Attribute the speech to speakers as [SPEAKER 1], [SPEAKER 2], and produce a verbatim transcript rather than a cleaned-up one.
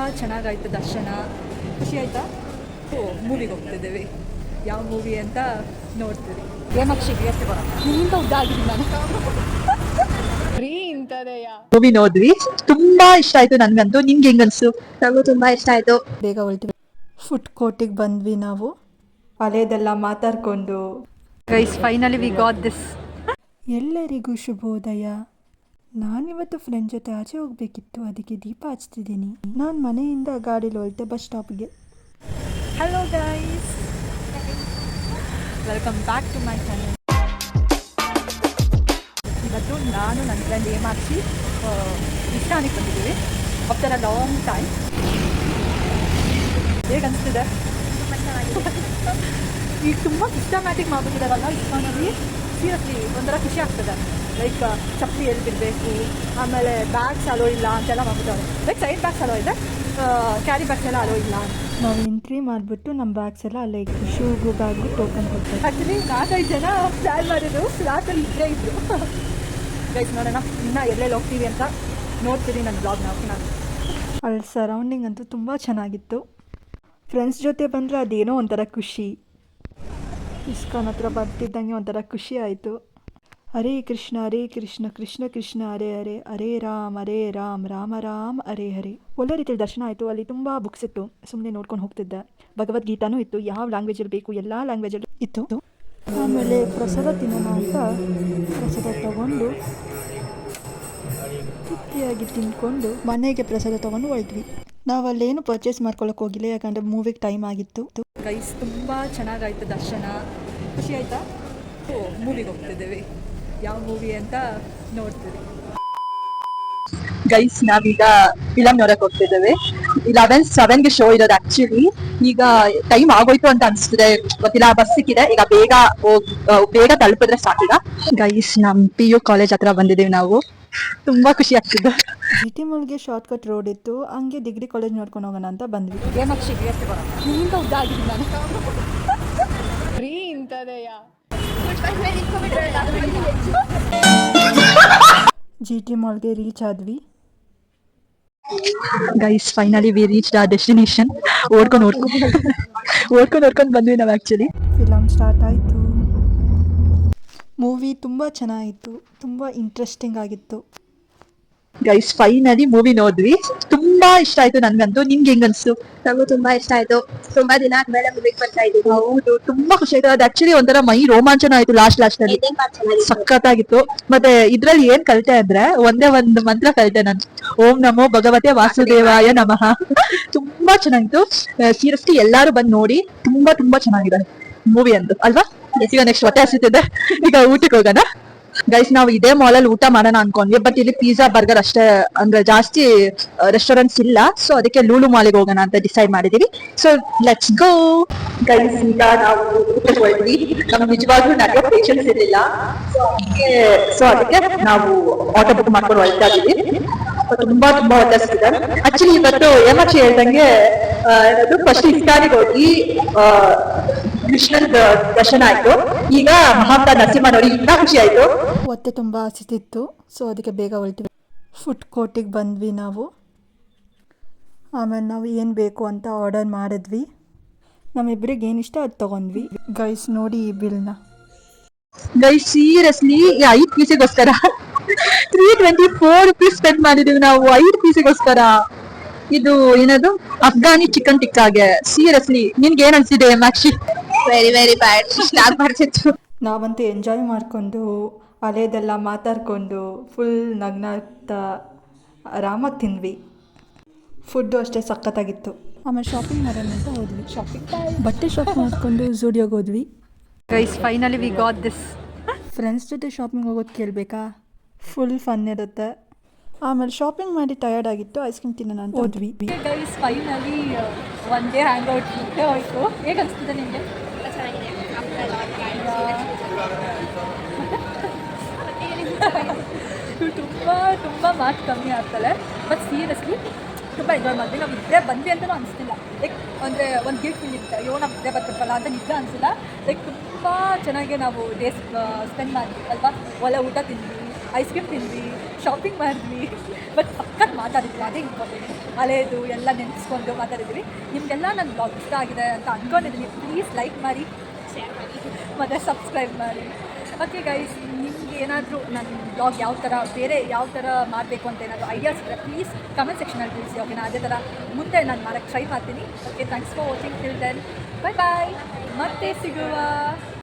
[SPEAKER 1] ಚೆನ್ನಾಗಾಯಿತು ದರ್ಶನ. ಖುಷಿ ಆಯಿತಾ? ಓ ಮೂವಿಗೆ ಹೋಗ್ತಿದ್ದೇವೆ. ಯಾವ ಮೂವಿ ಅಂತ ನೋಡ್ತೀವಿ. ಹೇಮಾಕ್ಷಿಗೆ ಎಷ್ಟು ಬರೋಣ ನಿಮ್ಮಿಂದ ಉದ್ದ ಆಗಿದ್ದೀನಿ ನಾನು. ಫ್ರೀ ಇಂಥದೆಯ
[SPEAKER 2] ಮೂವಿ ನೋಡಿದ್ವಿ, ತುಂಬಾ ಇಷ್ಟ ಆಯ್ತು ನನ್ಗಂತೂ. ನಿಮ್ಗೆ ಹೆಂಗನ್ಸು?
[SPEAKER 3] ನನಗೂ ತುಂಬ ಇಷ್ಟ ಆಯಿತು.
[SPEAKER 1] ಬೇಗ ಹೊರಟಿವಿ. ಫುಡ್ ಕೋರ್ಟಿಗೆ ಬಂದ್ವಿ ನಾವು. ಹಳೇದೆಲ್ಲ ಮಾತಾಡ್ಕೊಂಡು guys finally we got this. ಎಲ್ಲರಿಗೂ ಶುಭೋದಯ. ನಾನಿವತ್ತು ಫ್ರೆಂಡ್ ಜೊತೆ ಆಚೆ ಹೋಗಬೇಕಿತ್ತು, ಅದಕ್ಕೆ ದೀಪ ಹಚ್ತಿದ್ದೀನಿ. ನಾನು ಮನೆಯಿಂದ ಗಾಡೀಲಿ ಹೊರಟೆ ಬಸ್ ಸ್ಟಾಪ್ಗೆ. Hello guys, welcome back to my channel. ಇವತ್ತು ನಾನು ನನ್ನ ಫ್ರೆಂಡ್ ಹೇಮಾಕ್ಷಿ ಇಷ್ಟಾನಿಗೆ ಬಂದಿದ್ದೀವಿ. After a long time. ಹೇಗೆ ಅನಿಸ್ತಿದೆ? ಈಗ ತುಂಬ ಸಿಸ್ಟಮ್ಯಾಟಿಕ್ ಮಾಡ್ಬಿಟ್ಟಿದ್ದಾರಲ್ಲ ಇಸ್ಕಾನಲ್ಲಿ. ಸೀರಿಯಸ್ಲಿ ಒಂಥರ ಖುಷಿ ಆಗ್ತದೆ. ಲೈಕ್ ಚಪ್ಪಲಿ ಎಲ್ಲಿ ಬಿಡಬೇಕು, ಆಮೇಲೆ ಬ್ಯಾಗ್ಸ್ ಅಲೋ ಇಲ್ಲ ಅಂತೆಲ್ಲ ಮಾಡ್ಬಿಟ್ಟವ್ರೆ. ಲೈಕ್ ಸೈಡ್ ಬ್ಯಾಗ್ಸ್ ಅಲೋ ಇದೆ, ಕ್ಯಾರಿ ಬ್ಯಾಗ್ಸ್ ಎಲ್ಲ ಅಲೋ ಇಲ್ಲ. ನಾವು ಎಂಟ್ರಿ ಮಾಡಿಬಿಟ್ಟು ನಮ್ಮ ಬ್ಯಾಗ್ಸ್ ಎಲ್ಲ ಲೈಕ್ ಶೂಗು ಬ್ಯಾಗು ಟೋಕನ್ ಕೊಡ್ತಾರೆ. ಆ್ಯಕ್ಚುಲಿ ನಾಲ್ಕೈದು ಜನ ಪ್ಲ್ಯಾನ್ ಮಾಡಿದ್ರು, ಫ್ಲಾಟಲ್ಲಿ ಇದ್ದೇ ಇದ್ರು. ಗೈಸ್ ನೋಡೋಣ ಇನ್ನೂ ಎಲ್ಲೆಲ್ಲಿ ಹೋಗ್ತೀವಿ ಅಂತ ನೋಡ್ತೀವಿ ನನ್ನ ಬ್ಲಾಗ್ನ. ನಾನು ಅಲ್ಲಿ ಸರೌಂಡಿಂಗ್ ಅಂತೂ ತುಂಬ ಚೆನ್ನಾಗಿತ್ತು. ಫ್ರೆಂಡ್ಸ್ ಜೊತೆ ಬಂದರೆ ಅದೇನೋ ಒಂಥರ ಖುಷಿ. ಇಸ್ಕಾನ್ ಹತ್ರ ಬರ್ತಿದ್ದಂಗೆ ಒಂಥರ ಖುಷಿ ಆಯಿತು. ಹರೇ ಕೃಷ್ಣ ಹರೇ ಕೃಷ್ಣ ಕೃಷ್ಣ ಕೃಷ್ಣ ಹರೇ ಹರೇ ಹರೇ ರಾಮ್ ಹರೇ ರಾಮ್ ರಾಮ ರಾಮ್ ಹರೇ ಹರೇ. ಒಳ್ಳೆ ರೀತಿಯಲ್ಲಿ ದರ್ಶನ ಆಯಿತು. ಅಲ್ಲಿ ತುಂಬ ಬುಕ್ಸ್ ಇತ್ತು, ಸುಮ್ಮನೆ ನೋಡ್ಕೊಂಡು ಹೋಗ್ತಿದ್ದೆ. ಭಗವದ್ಗೀತಾನೂ ಇತ್ತು, ಯಾವ ಲ್ಯಾಂಗ್ವೇಜಲ್ಲಿ ಬೇಕು ಎಲ್ಲ ಲ್ಯಾಂಗ್ವೇಜಲ್ಲಿ ಇತ್ತು. ಆಮೇಲೆ ಪ್ರಸಾದ ತಿನ್ನೋಣ ಅಂತ ಪ್ರಸಾದ ತಗೊಂಡು ತೃಪ್ತಿಯಾಗಿ ತಿಂದ್ಕೊಂಡು ಮನೆಗೆ ಪ್ರಸಾದ ತೊಗೊಂಡು ಹೊರಟ್ವಿ. ನಾವು ಅಲ್ಲೇನು ಪರ್ಚೇಸ್ ಮಾಡ್ಕೊಳ್ಳೋಕೆ ಹೋಗಿಲ್ಲ, ಯಾಕಂದರೆ ಮೂವಿಗೆ ಟೈಮ್ ಆಗಿತ್ತು. ಗೈಸ್ ತುಂಬ ಚೆನ್ನಾಗಾಯಿತು ದರ್ಶನ. ಖುಷಿ ಆಯಿತಾ? ಓ ಮೂವಿಗೆ ಹೋಗ್ತಿದ್ದೇವೆ. ಯಾವ ಮೂವಿ ಅಂತ ನೋಡ್ತೀವಿ.
[SPEAKER 2] ಗೈಸ್ ನಾವೀಗ ಫಿಲಮ್ ನೋಡಕ್ ಹೋಗ್ತಿದ್ದೇವೆ. ಇಲೆವೆನ್ ಸೆವೆನ್ಗೆ ಶೋ ಇರೋದು. ಆಕ್ಚುಲಿ ಈಗ ಟೈಮ್ ಆಗೋಯ್ತು ಅಂತ ಅನ್ಸ್ತಿದೆ, ಗೊತ್ತಿಲ್ಲ. ಬಸ್ ಸಿಕ್ಕಿದೆ, ಈಗ ಬೇಗ ಹೋಗ್ ಬೇಗ ತಲುಪಿದ್ರೆ ಸಾಕೀಗ. ಗೈಸ್ ನಮ್ ಪಿ ಯು ಕಾಲೇಜ್ ಹತ್ರ ಬಂದಿದ್ದೀವಿ ನಾವು. ತುಂಬಾ ಖುಷಿ ಆಗ್ತಿದೆ.
[SPEAKER 1] ಜಿ ಟಿ ಮಾಲ್ಗೆ ಶಾರ್ಟ್ ಕಟ್ ರೋಡ್ ಇತ್ತು, ಹಂಗೆ ಡಿಗ್ರಿ ಕಾಲೇಜ್ ನೋಡ್ಕೊಂಡು ಹೋಗೋಣ ಅಂತ ಬಂದ್ವಿ. ಹೇಮಾಕ್ಷಿಗೆ ಎಷ್ಟು ಬರೋಣ ನಿಮ್ಮಿಂದ ಉದ್ದ ಆಗಿದ್ದೀನಿ ನಾನು. ಫ್ರೀ ಇಂಥದೆಯ ಜಿ ಟಿ ಮಾಲ್ಗೆ ರೀಚ್ ಆದ್ವಿ.
[SPEAKER 2] Guys finally we reach the destination. ಓಡ್ಕೊಂಡು ಓಡ್ಕೊಂಡು ಓಡ್ಕೊಂಡು ಓಡ್ಕೊಂಡು ಬಂದ್ವಿ ನಾವು. ಆ್ಯಕ್ಚುಲಿ
[SPEAKER 1] ಫಿಲಮ್ ಸ್ಟಾರ್ಟ್ ಆಯಿತು. ಮೂವಿ ತುಂಬ ಚೆನ್ನಾಗಿತ್ತು, ತುಂಬ ಇಂಟ್ರೆಸ್ಟಿಂಗ್ ಆಗಿತ್ತು.
[SPEAKER 2] ಗೈಸ್ ಫೈನಲಿ ಮೂವಿ ನೋಡಿದ್ವಿ, ತುಂಬಾ ಇಷ್ಟ ಆಯ್ತು ನನ್ಗಂತೂ. ನಿಮ್ಗೆ ಹೆಂಗನ್ಸು?
[SPEAKER 3] ನನಗೂ ತುಂಬ ಇಷ್ಟ ಆಯಿತು. ತುಂಬ ದಿನ ಆದ್ಮೇಲೆ ಮೂವಿಗೆ ಬರ್ತಾ ಇದ್ದೀವಿ.
[SPEAKER 2] ಹೌದು, ತುಂಬಾ ಖುಷಿ ಆಯ್ತು. ಅದು ಆಕ್ಚುಲಿ ಒಂಥರ ಮೈ ರೋಮಾಂಚನ ಆಯ್ತು ಲಾಸ್ಟ್ ಲಾಸ್ಟ್ ಅಲ್ಲಿ. ಸಖತ್ತಾಗಿತ್ತು. ಮತ್ತೆ ಇದ್ರಲ್ಲಿ ಏನ್ ಕಲಿತೆ ಅಂದ್ರೆ ಒಂದೇ ಒಂದು ಮಂತ್ರ ಕಲಿತೆ ನಾನು, ಓಂ ನಮೋ ಭಗವತೆ ವಾಸುದೇವಾಯ ನಮಃ. ತುಂಬಾ ಚೆನ್ನಾಗಿತ್ತು. ಸೀರಿಯಸ್ಲಿ ಎಲ್ಲಾರು ಬಂದು ನೋಡಿ, ತುಂಬಾ ತುಂಬಾ ಚೆನ್ನಾಗಿದೆ ಮೂವಿ ಅಂತ ಅಲ್ವಾ? ಈಗ ನೆಕ್ಸ್ಟ್ ಹೊಟ್ಟೆ ಹಸಿತಿದೆ, ಈಗ ಊಟಕ್ಕೆ ಹೋಗೋಣ. ಗೈಸ್ ನಾವು ಇದೇ ಮಾಲ್ ಅಲ್ಲಿ ಊಟ ಮಾಡೋಣ ಅನ್ಕೊಂಡ್ವಿ, ಬಟ್ ಇಲ್ಲಿ ಪಿಜ್ಜಾ ಬರ್ಗರ್ ಅಷ್ಟೇ, ಅಂದ್ರೆ ಜಾಸ್ತಿ ರೆಸ್ಟೋರೆಂಟ್ಸ್ ಇಲ್ಲ. ಸೊ ಅದಕ್ಕೆ ಲೂಲು ಮಾಲಿಗೆ ಹೋಗೋಣ ಅಂತ ಡಿಸೈಡ್ ಮಾಡಿದೀವಿ. So let's go. ಗೈಸ್ ಈಗ ನಾವು ಊಟಕ್ಕೆ ಹೋದ್ವಿ. ನಮ್ಗೆ ನಿಜವಾಗ್ಲೂ ನಡೆಯೋ ಪೇಷನ್ಸ್ ಇರಲಿಲ್ಲ, ಸೊ ಅದಕ್ಕೆ ಸೊ ಅದಕ್ಕೆ ನಾವು ಆಟೋ ಬುಕ್ ಮಾಡ್ಕೊಂಡು ಹೊರಡ್ತಾ ಇದೀವಿ. ತುಂಬಾ ತುಂಬಾ ಹೊತ್ತಿದೆ. ಆಕ್ಚುಲಿ ಇವತ್ತು ಹೇಮಾಕ್ಷಿ ಹೇಳ್ದಂಗೆ ಫಸ್ಟ್ ಇಸ್ಕಾನಿಗೆ ಹೋಗಿ ಕೃಷ್ಣನ್ ದರ್ಶನ ಆಯ್ತು. ಈಗ ಮಹಾಪ್ರಸಾದ್ ನರಸಿಂಹ ನೋಡಿ ಇನ್ನ ಖುಷಿ ಆಯ್ತು.
[SPEAKER 1] ಹೊಟ್ಟೆ ತುಂಬ ಹಸಿತಿತ್ತು, ಸೊ ಅದಕ್ಕೆ ಬೇಗ ಹೊರಟಿವಿ. ಫುಡ್ ಕೋರ್ಟಿಗೆ ಬಂದ್ವಿ ನಾವು. ಆಮೇಲೆ ನಾವು ಏನು ಬೇಕು ಅಂತ ಆರ್ಡರ್ ಮಾಡಿದ್ವಿ. ನಮ್ಮಿಬ್ಬರಿಗೆ ಏನು ಇಷ್ಟ ಅದು ತೊಗೊಂಡ್ವಿ. ಗೈಸ್ ನೋಡಿ ಈ ಬಿಲ್ನ.
[SPEAKER 2] ಗೈಸ್ ಸೀರಿಯಸ್ಲಿ ಈ ಐದು ಪೀಸಿಗೋಸ್ಕರ three twenty four rupees spend ಮಾಡಿದೀವಿ ನಾವು ಐದು ಪೀಸಿಗೋಸ್ಕರ. ಇದು ಏನದು ಅಫ್ಘಾನಿ ಚಿಕನ್ ಟಿಕ್ಕಾಗೆ. ಸೀರಿಯಸ್ಲಿ ನಿನ್ಗೆ ಏನ್ ಅನ್ಸಿದೆ Hemakshi?
[SPEAKER 3] Very very bad. Start ಮಾಡ್ತಿತ್ತು.
[SPEAKER 1] ನಾವಂತೂ ಎಂಜಾಯ್ ಮಾಡಿಕೊಂಡು ಹಳೇದೆಲ್ಲ ಮಾತಾಡ್ಕೊಂಡು ಫುಲ್ ನಗ್ನಾಗ್ತಾ ಆರಾಮಾಗಿ ತಿಂದ್ವಿ. ಫುಡ್ಡು ಅಷ್ಟೇ ಸಖತ್ತಾಗಿತ್ತು. ಆಮೇಲೆ ಶಾಪಿಂಗ್ ಮಾಡೋಣ ಅಂತ ಹೋದ್ವಿ. ಶಾಪಿಂಗ್ ಬಟ್ಟೆ ಶಾಪ್ ಮಾಡಿಕೊಂಡು ಝೂಡಿಯೋಗೆ ಹೋದ್ವಿ. Guys finally we got this. Friends ಜೊತೆ ಶಾಪಿಂಗ್ ಹೋಗೋದು ಕೇಳಬೇಕಾ? ಫುಲ್ ಫನ್ ಇರುತ್ತೆ. ಆಮೇಲೆ ಶಾಪಿಂಗ್ ಮಾಡಿ ಟಯರ್ಡ್ ಆಗಿತ್ತು, ಐಸ್ ಕ್ರೀಮ್ ತಿನ್ನೋಣ ಅಂತ ಹೋದ್ವಿ. Guys finally one day hang out ಮುಟ್ಟೆ ಹೋಯ್ತು. ಹೇಗೆ ಅನಿಸ್ತಿದೆ ನಿಮಗೆ? ತುಂಬ ತುಂಬ ಮಾರ್ಕ್ಸ್ ಕಮ್ಮಿ ಆಗ್ತದೆ, ಬಟ್ ಸೀರಿಯಸ್ಲಿ ತುಂಬ ಎಂಜಾಯ್ ಮಾಡಿದ್ವಿ. ನಾವು ಇದ್ದೇ ಬಂದ್ವಿ ಅಂತಲೂ ಅನಿಸ್ತಿಲ್ಲ. ಲೈಕ್ ಅಂದರೆ ಒಂದು ಗಿಫ್ಟ್ ಫೀಲ್ ಇರುತ್ತೆ, ಅಯ್ಯೋ ನಾವು ಇದ್ದೇ ಬರ್ತಿರ್ಬಲ್ಲ ಅಂತ ನಿಜ ಅನಿಸಿಲ್ಲ. ಲೈಕ್ ತುಂಬ ಚೆನ್ನಾಗಿ ನಾವು ಡೇಸ್ ಸ್ಪೆಂಡ್ ಮಾಡಿದ್ವಿ ಅಲ್ವಾ. ಒಳ್ಳೆ ಊಟ ತಿಂದ್ವಿ, ಐಸ್ ಕ್ರೀಮ್ ತಿಂದ್ವಿ, ಶಾಪಿಂಗ್ ಮಾಡಿದ್ವಿ ಬಟ್ ಸಖತ್ ಮಾತಾಡಿದ್ವಿ, ಅದೇ ಇಂಪಾರ್ಟೆಂಟ್. ಹಳೇದು ಎಲ್ಲ ನೆನೆಸ್ಕೊಂಡು ಮಾತಾಡಿದ್ವಿ. ನಿಮಗೆಲ್ಲ ನನ್ನ ಬ್ಲಾಗ್ ಇಷ್ಟ ಆಗಿದೆ ಅಂತ ಅಂದ್ಕೊಂಡಿದ್ದೀನಿ. ಪ್ಲೀಸ್ ಲೈಕ್ ಮಾಡಿ, ಶೇರ್ ಮಾಡಿ ಮತ್ತು ಸಬ್ಸ್ಕ್ರೈಬ್ ಮಾಡಿ. ಓಕೆ ಗೈಸ್, ನಿಮ್ಗೆ ಏನಾದರೂ ನನ್ನ ಬ್ಲಾಗ್ ಯಾವ ಥರ ಬೇರೆ ಯಾವ ಥರ ಮಾಡಬೇಕು ಅಂತ ಏನಾದರೂ ಐಡಿಯಾಸ್ ಇದ್ದರೆ ಪ್ಲೀಸ್ ಕಮೆಂಟ್ ಸೆಕ್ಷನಲ್ಲಿ ತಿಳಿಸಿ. ಓಕೆನಾ? ಅದೇ ಥರ ಮುಂದೆ ನಾನು ಮಾಡೋಕ್ಕೆ ಟ್ರೈ ಮಾಡ್ತೀನಿ. Okay, thanks for watching. Till then bye bye, ಮತ್ತೆ ಸಿಗುವ.